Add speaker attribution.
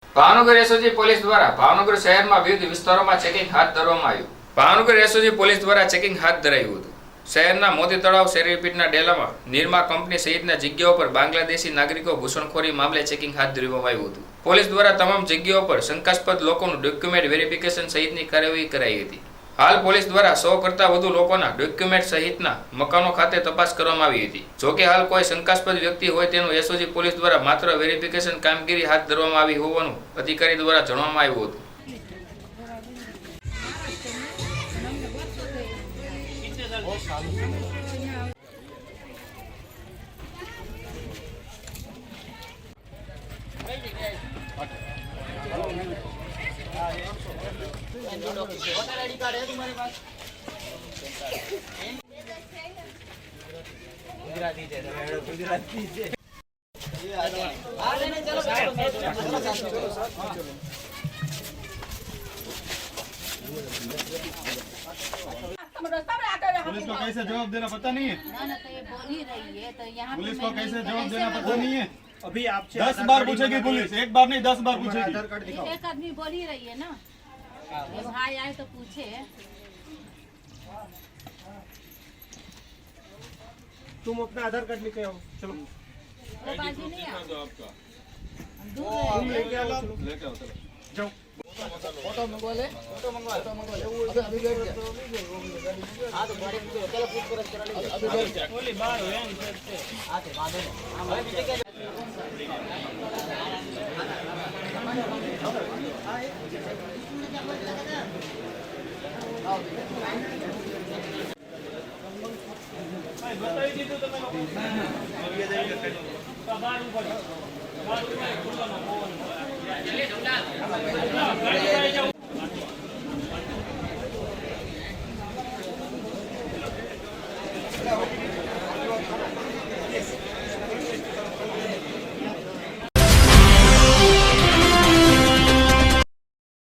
Speaker 1: Bhavnagar SOG police દ્વારા ભાવનગર શહેરમાં વિવિધ વિસ્તારોમાં ચેકિંગ હાથ ધરવામાં આવ્યું। ભાવનગર એસઓજી પોલીસ દ્વારા ચેકિંગ હાથ ધરાયું હતું। શહેરના મોતી તળાવ શેરીપીટના ડેલામાં નિર્મા કંપની સહિતના જગ્યાઓ પર બાંગ્લાદેશી નાગરિકો ઘૂસણખોરી મામલે ચેકિંગ હાથ ધરવામાં આવ્યું હતું। પોલીસ દ્વારા તમામ જગ્યાઓ પર શંકાસ્પદ લોકોનું ડોક્યુમેન્ટ વેરિફિકેશન સહિતની કાર્યવાહી કરાઈ હતી। હાલ પોલીસ દ્વારા 100 કરતાં વધુ લોકોના ડોક્યુમેન્ટ સહિતના મકાનો ખાતે તપાસ કરવામાં આવી હતી। જોકે હાલ કોઈ શંકાસ્પદ વ્યક્તિ હોય તેનું એસઓજી પોલીસ દ્વારા માત્ર વેરિફિકેશન કામગીરી હાથ ધરવામાં આવી હોવાનું અધિકારી દ્વારા જણાવવામાં આવ્યું હતું।
Speaker 2: आईडी कार्ड है तुम्हारे पास? गुजराती है, गुजराती है। आ लेने चलो
Speaker 3: पुलिस को कैसे जवाब देना पता नहीं है।
Speaker 4: ना तो ये बोल ही रही है तो यहाँ
Speaker 3: पुलिस को कैसे जवाब देना पता नहीं है।
Speaker 5: अभी आपसे
Speaker 3: 10 बार पूछेगी पुलिस, एक बार नहीं 10 बार पूछेगी।
Speaker 5: आधार कार्ड दिखाओ।
Speaker 4: एक आदमी बोल ही रही है ना, ये भाई आए तो पूछे।
Speaker 5: तुम अपना आधार कार्ड लेके आओ, चलो।
Speaker 4: तो बाजू नहीं आ
Speaker 3: आपका
Speaker 5: तुम लेके आओ, चलो।
Speaker 3: लेके आओ चलो।
Speaker 5: जाओ।
Speaker 2: फोटो मंगवा ले, फोटो मंगवा ले। अभी बैठ जा। हां तो गाड़ी में चलो पूछपरछ करा ले। अभी बैठ जा। बोली बाहर हो यार से। आते बांधो ना। भाई पीछे क्या
Speaker 5: बताई દીધું તમે લોકો બાર ઉપર બાર ઉપર ખુલ્લામાં